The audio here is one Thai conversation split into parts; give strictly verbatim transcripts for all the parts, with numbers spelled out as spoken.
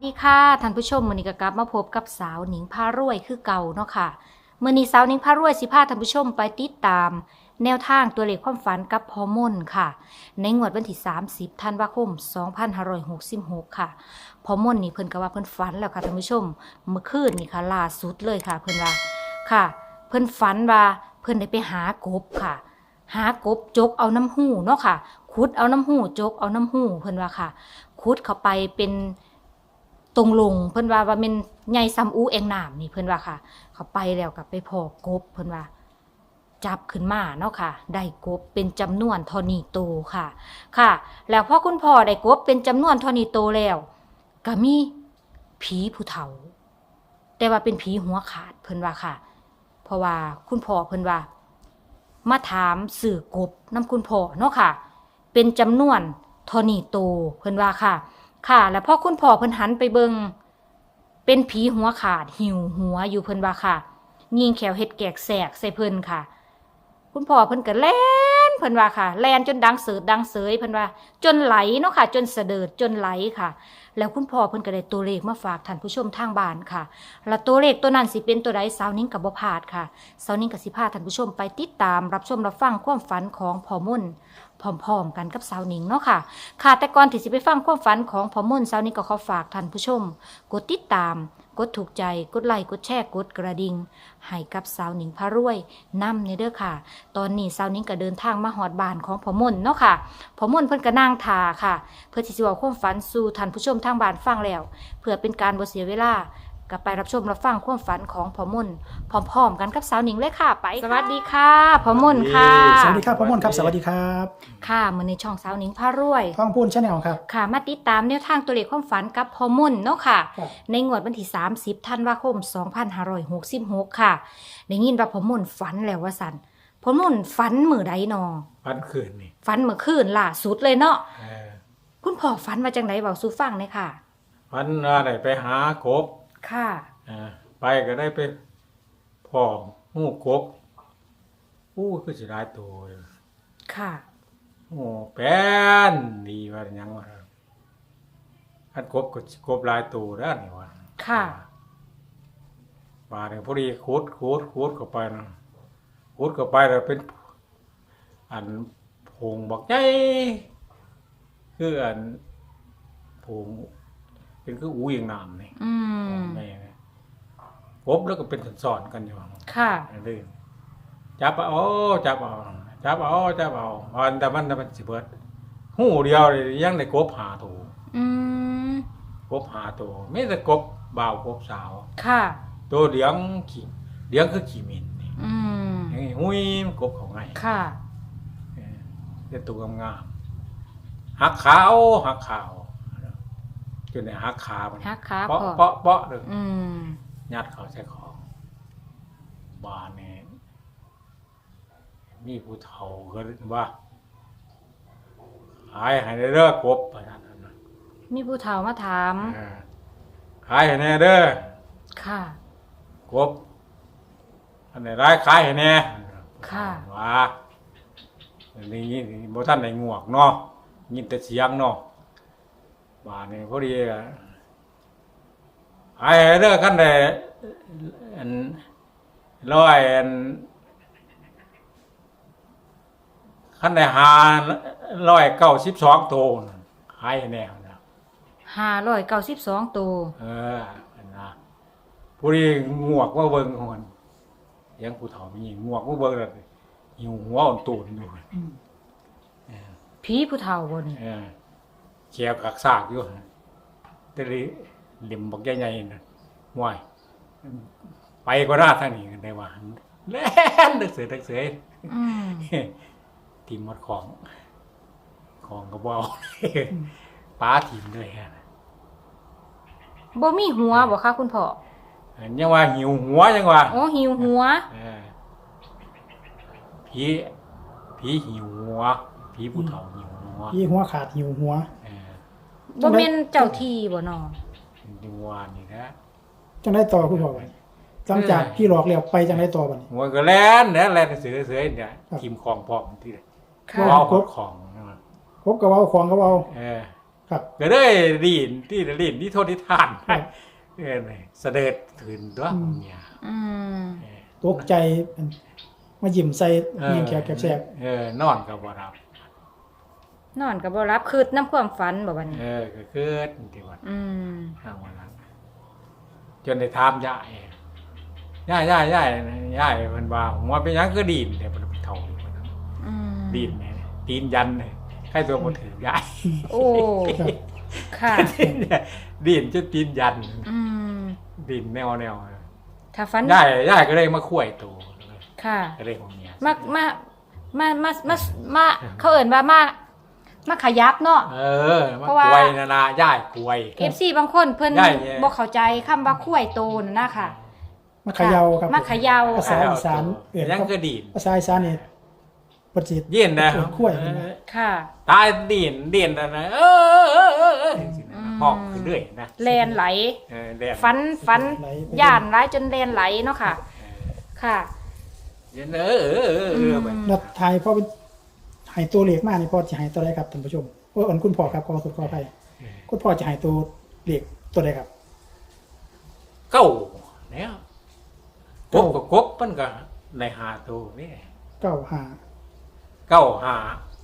สวัสดีค่ะท่านผู้ชมมื้อนี้ก็กลับมาพบกับสาวหนิงพารวยคือเก่าเนาะค่ะมื้อนี้สาวหนิงพารวยสิพาท่านผู้ชมไปติดตาม แนวทางตัวเลขความฝันกับพ่อมนค่ะในงวดวันที่สามสิบธันวาคมสองพันห้าร้อยหกสิบหกค่ะพ่อมนนี่เพิ่นก็ว่าเพิ่นฝันแล้วค่ะท่านผู้ชมเมื่อคืนนี่ค่ะล่าสุดเลยค่ะเพิ่นว่าค่ะ เพิ่นฝันว่าเพิ่นได้ไปหากบค่ะ หากบจกเอาน้ำหูเนาะค่ะขุดเอาน้ำหูจกเอาน้ำหูเพิ่นว่าค่ะขุดเข้าไปเป็นตรงลงเพิ่นว่าว่าเป็นใหญ่ซ้ำอูแองน้ำนี่เพิ่นว่าค่ะ เขาไปแล้วกับไปพอกบเพิ่นว่า จับขึ้นมาเนาะค่ะได้กบเป็นจำนวนเท่านี้โตค่ะ ค่ะ แล้วพอคุณพ่อได้กบเป็นจำนวนเท่านี้โตแล้วก็มีผีผู้เฒ่า แต่ว่าเป็นผีหัวขาดเพิ่นว่าค่ะ เพราะว่าคุณพ่อเพิ่นว่า มาถามสื่อกบน้ำคุณพ่อเนาะค่ะ เป็นจำนวนเท่านี้โตเพิ่นว่าค่ะ ค่ะ แล้วพอคุณพ่อเพิ่นหันไปเบิงเป็นผีหัวขาดหิวหัวอยู่เพิ่นว่าค่ะ ยิงแขวเฮ็ดแกกแสกใส่เพิ่นค่ะ คุณพ่อเพิ่นก็แล่นเพิ่นว่าค่ะแล่นจนดังเสิร์ดดังเสยเพิ่นว่า จนไหลเนาะค่ะ จนเสดิร์ดจนไหลค่ะ แล้วคุณพ่อเพิ่นก็ได้ตัวเลขมาฝากท่านผู้ชมทางบ้านค่ะ แล้วตัวเลขตัวนั้นสิเป็นตัวใดสาวนิ้งก็บ่พลาดค่ะสาวนิ้งก็สิพาท่านผู้ชมไปติดตามรับชมรับฟังความฝันของพ่อมุ่นพร้อมๆกันกับสาวนิ้งเนาะค่ะ ค่ะแต่ก่อนที่สิไปฟังความฝันของพ่อมุ่นสาวนิ้งก็ขอฝากท่านผู้ชมกดติดตามกดถูกใจกดไลค์กดแชร์กดกระดิ่งให้กับสาวหนิงพารวยนำในเด้อค่ะ ตอนนี้สาวหนิงก็เดินทางมาฮอดบ้านของพ่อมนเนาะค่ะพ่อมนเพิ่นก็นั่งทาค่ะ เพื่อที่สิเว้าความฝันสู่ท่านผู้ชมทางบ้านฟังแล้ว เพื่อเป็นการบ่เสียเวลาก็ไปรับชมรับฟังความฝันของพ่อมนพร้อมๆกันกับสาวหนิงเลยค่ะไปสวัสดีค่ะพ่อมนค่ะสวัสดีครับพ่อมนครับสวัสดีครับค่ะมื้อในช่องสาวหนิงพารวยท่องพูนชาแนลครับค่ะมาติดตามแนวทางตัวเลขความฝันกับพ่อมนเนาะค่ะครับในงวดวันที่สามสิบธันวาคมสองพันห้าร้อยหกสิบหกค่ะได้ยินว่าพ่อมนฝันแล้วว่าสันพ่อมนฝันมื้อใดนอพันคืนนี่ฝันเมื่อคืนล่าสุดเลยเนาะเออคุณพ่อฝันว่าจังไดเว้าสู่ฟังเลยค่ะพันว่าได้ไปหากบค่ะเออไปก็ได้ไปพ่อหมูกบอู้คือสิหลายตัวเลยค่ะโอ้แป้นดีว่าหยังว่าอันกบก็สิกบหลายตัวแล้วนี่ว่าค่ะมาเนี่ยพอดีขุดขุดขุดเข้าไปนะขุดเข้าไปแล้วเป็น อันผงบักใหญ่คืออันผงเป็นคืออูอย่างน้ำนี่อืมแม่กบแล้วก็เป็นสอนๆกันอยู่ค่ะเรื่อยจับเอาจับเอาจับเอาจับเอาวันแต่มันมันสิเบิดหูเดียวเลยยังได้กบหาตัวอืมกบหาตัวไม่แต่กบบ่าวกบสาวค่ะตัวเลี้ยงขี่เลี้ยงคือขี่มินนี่อืมอย่างนี้หุยมันกบเขาไงค่ะเออเป็นตัวงามๆหักขาวหักขาวจนในหักขามันหักขาเปาะพ่อเปาะเปาะเลยอืมยัดเขาใส่ของบานนี่มีผู้เฒ่าก็ว่าขายให้ได้เด้อกบไปนั่นน่ะมีผู้เฒ่ามาถามเออขายให้แน่เด้อค่ะกบอันไหนร้ายขายให้แน่ค่ะว่าอันนี้บ่ทันได้งวกเนาะยินแต่เสียงเนาะบานนี่พอดีอะขายให้เด้อคันได้อันร้อยอันคันได้หาร้อยเก้าสิบสองตัวน่ะขายให้แน่นะห้าร้อยเก้าสิบสองตัวเอออันนะผู้นี้งวกว่าเบิ่งของมันยังผู้เฒ่ามีงวกว่าเบิ่งแล้วหิวหัวอ่อนตูนอยู่เออผีผู้เฒ่าบ่นี่เออแขวกักซากอยู่แต่ลิเหลิมบักใหญ่ๆน่ะห่วยไปก็ได้ทางนี้ได้ว่าแล่นดึกเสือดึกเสืออืมทีมหมดของ ของก็บ่เอาป้าทีมด้วยฮะบ่มีหัวบ่คะคุณพ่อยังว่าหิวหัวยังว่าอ๋อหิวหัวเออผีผีหิวหัวผีผู้เฒ่าหิวหัวยี่หัวขาดหิวหัวเออบ่แม่นเจ้าที่บ่นอหิวหัวนี่นะจังได้ต่อคุณพ่อไปหลังจากพี่หลอกแล้วไปจังได้ต่อบัดนี้หัวก็แล่นเนี่ยแล่นเสือเสือเนี่ยครับทีมของพร้อมที่ค่ะเอาของของนะครบกับเอาของกับเอาเออคครับก็เลยดีนที่ดีนที่โทษที่ทานครับเออเสด็จถึงตัวเนี่ยอืมตกใจมายิ้มใส่เอเงีอยงแขกแสบเออนอนกับบ่รับนอนก็บ่รับคืดน้ำความฝันบ่บัดนี้เออก็คือที่ว่าอืมทางวันนั้นจนได้ถามยายยายยายยายยายมันว่าหัวเป็นหยังคือดีนเนี่ยมันเป็นเท่าอยู่มันนะอืมดีนเนี่ยตีนยันเนี่ยใครตัวบ่ถือยายโอ้ ค่ะดีนจะตีนยันอืมดินแนวแนวถ้าฝันย่ายย่ายก็เลยมาคุยตัวค่ะก็เลยของเมียมามามามามามาเขาเอิ่นว่ามามาขยับเนาะเออมาเพราะว่าคุยนะนะย่ายคุยเอฟซีบางคนเพิ่นได้เนี่ยบ่เข้าใจคำว่าคุ้ยโตนั่นนะค่ะมาเขย่าครับมาเขย่าภาษาค่ะอีสานเอิ่นยังคือดินภาษาอีสานนี่ปฏิเสธเย็นนะเอิ่นคุ้ยเออค่ะตายดินดินนะนะเออเออเออเออห้องขึ้นเรื่อยนะแลนไหลเออแดงฟันฟันย่านไหลจนแลนไหลเนาะค่ะ ค่ะเย็นเออเออเออเออไปนัดทายพ่อเป็นให้ตัวเลขมานี่พ่อจะให้ตัวใดครับท่านผู้ชมโอ้อันคุณพ่อครับขอสุดขออภัยคุณพ่อจะให้ตัวเลขตัวใดครับเก้าเนี่ยกบกับกบมันก็ในหาตัวนี่เก้าห้าเก้าหา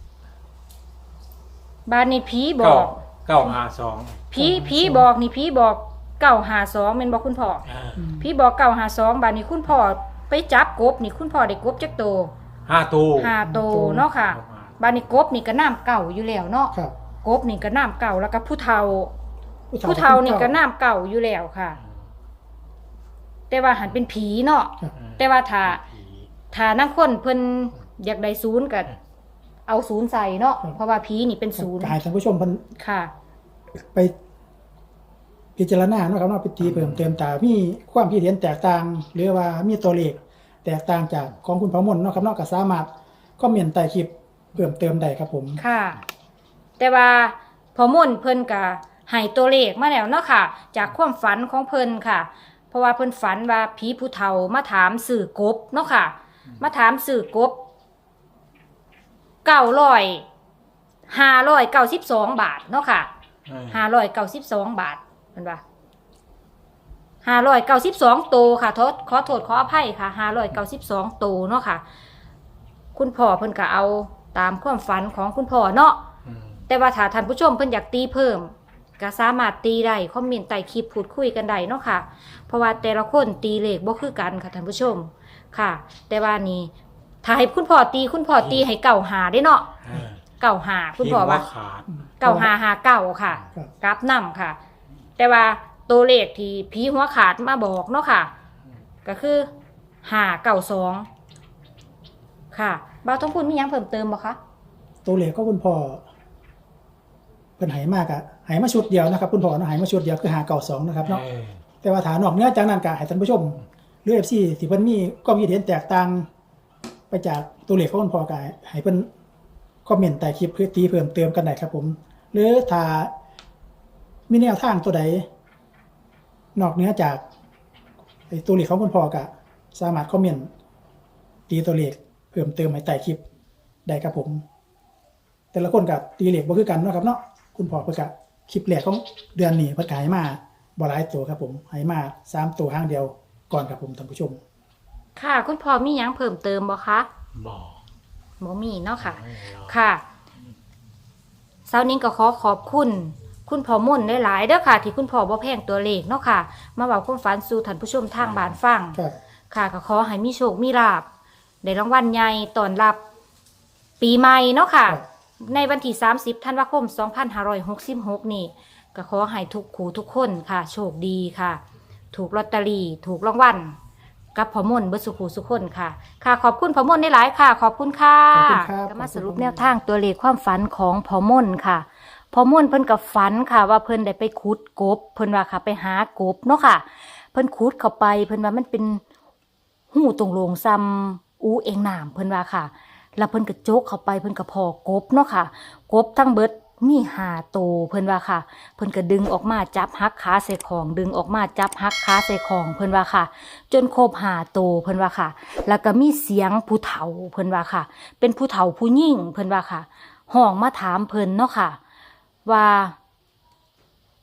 บ้านนี้ผีบเก้าอกเก้าหาสองผีผีบอกนี่ผีบอกเก้าหาสองแม่นบอกคุณพ่ออ่าผีบอกเก้าหาสองบ้านนี้คุณพ่อไปจับกบนี่คุณพ่อได้กบจักโตห้าตัวห้าโตเนาะค่ะบ้านนี้กบนี่ก็น้ำเก่าอยู่แล้วเนาะครับกบนี่ก็น้ำเก่าแล้วก็ผู้เฒ่า ผู้เฒ่านี่ก็น้ำเก่าอยู่แล้วค่ะ แต่ว่าหันเป็นผีเนาะครับแต่ว่าถ้าผีถ้านักคนเพิ่นอยากได้ศูนย์ก็เอาศูนย์ใส่เนาะเพราะว่าผีนี่เป็นศูนย์จะให้ท่านผู้ชมเพิ่นค่ะไปพิจารณาเนาะครับเนาะไปตีเพิ่มเติมตามีความคิดเห็นแตกต่าง หรือว่ามีตัวเลขแตกต่างจากของคุณพระมนต์เนาะครับเนาะก็สามารถคอมเมนต์ใต้คลิปเพิ่มเติมได้ครับผมค่ะ แต่ว่าพอมุ่นเพิ่นก็ให้ตัวเลขมาแล้วเนาะค่ะ จากความฝันของเพิ่นค่ะ เพราะว่าเพิ่นฝันว่าผีผู้เฒ่ามาถามสื่อกบเนาะค่ะ มาถามสื่อกบเก้าร้อยห้าร้อยเก้าสิบสองบาทเนาะค่ะเออห้าร้อยเก้าสิบสองบาทเพิ่นว่าห้าร้อยเก้าสิบสองโตวค่ะโทษขอโทษขออภัยค่ะห้าร้อยเก้าสิบสองโตวเนาะค่ะ คุณพ่อเพิ่นก็เอาตามความฝันของคุณพ่อเนาะอืมแต่ว่าถ้าท่านผู้ชมเพิ่นอยากตีเพิ่มก็สามารถตีได้คอมเมนต์ใต้คลิปพูดคุยกันได้เนาะค่ะ เพราะว่าแต่ละคนตีเลขบ่คือกันค่ะท่านผู้ชมค่ะ แต่ว่านี่ถ้าให้คุณพ่อตีคุณพ่อตีให้เก่าหาได้เนาะเออเก่าหาคุณพ่อว่าที่หัขาดเก่าหาหาเก่าค่ะครับกราฟนำค่ะ แต่ว่าตัวเลขที่ผีหัวขาดมาบอกเนาะค่ะ ก็คือหาเก่าสองค่ะบ่าวทองพูนมีหยังเพิ่มเติมบ่คะตัวเลขก็คุณพ่อเพิ่นให้มากอะให้มาชุดเดียวนะครับคุณพ่อเนาะให้มาชุดเดียวคือหาเก่าสองนะครับเนาะเออแต่ว่าฐานนอกเหนื้อจากนั้นก็ให้ท่านผู้ชมหรือ เอฟ ซี ที่เพิ่นมีความคิดเห็นแตกต่างไปจากตัวเลขของคุณพ่อก็ให้เพิ่นคอมเมนต์ใต้คลิปเพื่อตีเพิ่มเติมกันได้ครับผม หรือถ้ามีแนวทางตัวใดนอกเหนือจากไอ้ตัวเลขของคุณพ่อก็สามารถคอมเมนต์ตีตัวเลขเพิ่มเติมให้ใต้คลิปได้ครับผม แต่ละคนก็ตีเลขบ่คือกันเนาะครับเนาะคุณพ่อเพิ่นก็คลิปแรกของเดือนนี้เพิ่นก็ให้มาบ่หลายตัวครับผมให้มาสามตัวห้างเดียวก่อนครับผมท่านผู้ชมค่ะ คุณพ่อมีหยังเพิ่มเติมบ่คะบอกบ่มีเนาะค่ะไม่หรอกค่ะเช้านี้ก็ขอขอบคุณ คุณพ่อมุ่นได้หลายๆเด้อค่ะ ที่คุณพ่อบ่แพงตัวเลขเนาะค่ะ มาเว้าความฝันสู่ท่านผู้ชมทางบ้านฟังครับค่ะก็ขอให้มีโชคมีลาภได้รางวัลใหญ่ต้อนรับปีใหม่เนาะค่ะครับในวันที่สามสิบธันวาคมสองพันห้าร้อยหกสิบหกนี่ก็ขอให้ทุกขู่ทุกคนค่ะ โชคดีค่ะ ถูกลอตเตอรี่ถูกรางวัลกับพ่อมนต์เบิดสุขูสุขคนค่ะ ค่ะ ขอบคุณพ่อมนต์ได้หลายค่ะ ขอบคุณค่ะขอบคุณครับก็มาสรุปแนวทางตัวเลขความฝันของพ่อมนต์ค่ะพ่อมนต์เพิ่นกับฝันค่ะ ว่าเพิ่นได้ไปขุดกบ เพิ่นว่าค่ะไปหากบเนาะค่ะ เพิ่นขุดเข้าไป เพิ่นว่ามันเป็นหูตรงโลงซ้ำอูเองน้ำเพิ่นว่าค่ะ แล้วเพิ่นก็โจกเข้าไปเพิ่นก็พอกบเนาะค่ะ กบทั้งเบิดมีห้าโตวเพิ่นว่าค่ะ เพิ่นก็ดึงออกมาจับหักขาใส่ของ ดึงออกมาจับหักขาใส่ของเพิ่นว่าค่ะ จนครบห้าโตวเพิ่นว่าค่ะ แล้วก็มีเสียงผู้เฒ่าเพิ่นว่าค่ะ เป็นผู้เฒ่าผู้หญิงเพิ่นว่าค่ะห้องมาถามเพิ่นเนาะค่ะ ว่า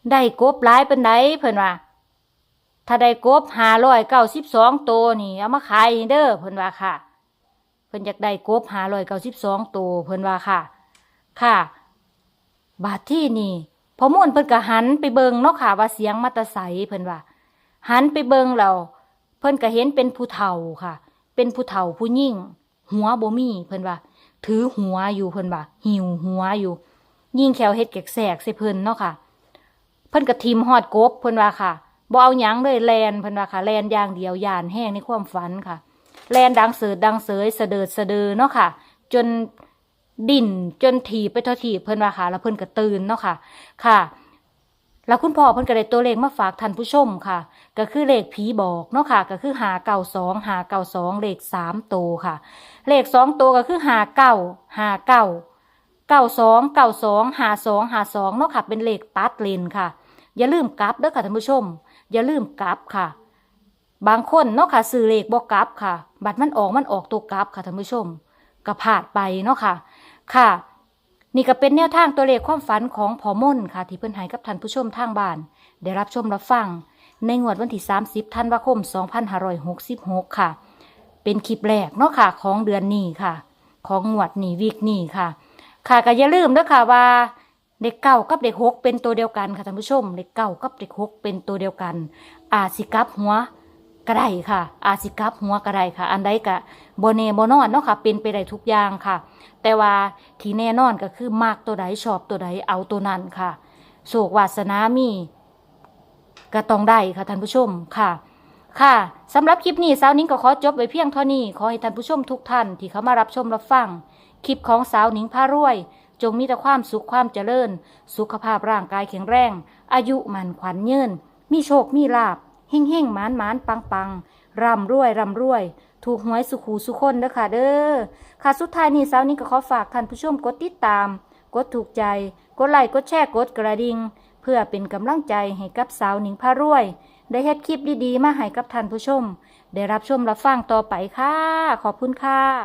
ได้กบหลายปานใดเพิ่นว่าถ้าได้กบห้าร้อยเก้าสิบสองตัวนี่เอามาขายเด้อเพิ่นว่าค่ะเพิ่นอยากได้กบห้าร้อยเก้าสิบสองตัวเพิ่นว่าค่ะค่ะบาดที่นี่พอม่วนเพิ่นก็หันไปเบิ่งเนาะค่ะว่าเสียงมาแตะไสเพิ่นว่าหันไปเบิ่งแล้วเพิ่นก็เห็นเป็นผู้เฒ่าค่ะเป็นผู้เฒ่าผู้หญิงหัวบ่มีเพิ่นว่าถือหัวอยู่เพิ่นว่าหิวหัวอยู่ยิงแขวเฮ็ดแกกแสกใส่เพิ่นเนาะค่ะเพิ่นก็ทิ่มฮอดกบเพิ่นว่าค่ะบ่เอาหยังเลยแลนเพิ่นว่าค่ะแลนอย่างเดียวย่านแห้งในความฝันค่ะแลนดังเสิร์ดดังเสยเสดิร์ดเสดอเนาะค่ะจนดิ่นจนถีบไปทอถีบเพิ่นว่าค่ะแล้วเพิ่นก็ตื่นเนาะค่ะค่ะแล้วคุณพ่อเพิ่นก็ได้ตัวเลขมาฝากท่านผู้ชมค่ะก็คือเลขผีบอกเนาะค่ะก็คือห้าเก้าสอง ห้าเก้าสองเลขสามตัวค่ะเลขสองตัวก็คือห้าเก้า ห้าเก้า เก้าสอง เก้าสอง ห้าสอง ห้าสองเนาะค่ะเป็นเลขตัดเลนค่ะอย่าลืมกลับเด้อค่ะท่านผู้ชมอย่าลืมกลับค่ะบางคนเนาะค่ะซื้อเลขบ่กลับค่ะบัตรมันออกมันออกตัวกลับค่ะท่านผู้ชมก็พลาดไปเนาะค่ะค่ะนี่ก็เป็นแนวทางตัวเลขความฝันของพ่อมนค่ะที่เพิ่นให้กับท่านผู้ชมทางบ้านได้รับชมรับฟังในงวดวันที่สามสิบธันวาคมสองพันห้าร้อยหกสิบหกค่ะเป็นคลิปแรกเนาะค่ะของเดือนนี้ค่ะของงวดนี้วีคนี้ค่ะค่ะก็อย่าลืมเด้อค่ะว่าเด็กเก้ากับเด็กหกเป็นตัวเดียวกันค่ะท่านผู้ชมเด็กเก้ากับเด็กหกเป็นตัวเดียวกันอาจสิกลับหัวก็ได้ค่ะอาจสิกลับหัวก็ได้ค่ะอันใดก็บ่แน่บ่นอนเนาะค่ะเป็นไปได้ทุกอย่างค่ะแต่ว่าที่แน่นอนก็คือมักตัวใดชอบตัวใดเอาตัวนั้นค่ะโชควาสนามีก็ต้องได้ค่ะท่านผู้ชมค่ะค่ะสำหรับคลิปนี้สาวนิ้งก็ขอจบไว้เพียงเท่านี้ขอให้ท่านผู้ชมทุกท่านที่เข้ามารับชมรับฟังคลิปของสาวนิ้งพารวยจงมีแต่ความสุขความเจริญสุขภาพร่างกายแข็งแรงอายุมันขวัญยืนมีโชคมีลาภเฮ่งเฮ่งหมานหมานปังปังร่ำรวยร่ำรวยถูกหวยสุขูสุคนเด้อค่ะเด้อค่ะสุดท้ายนี้สาวนิ้งก็ขอฝากท่านผู้ชมกดติดตามกดถูกใจกดไลค์กดแชร์กดกระดิ่งเพื่อเป็นกำลังใจให้กับสาวนิ้งพารวยได้เฮ็ดคลิปดีๆมาให้กับท่านผู้ชมได้รับชมรับฟังต่อไปค่ะขอบคุณค่ะ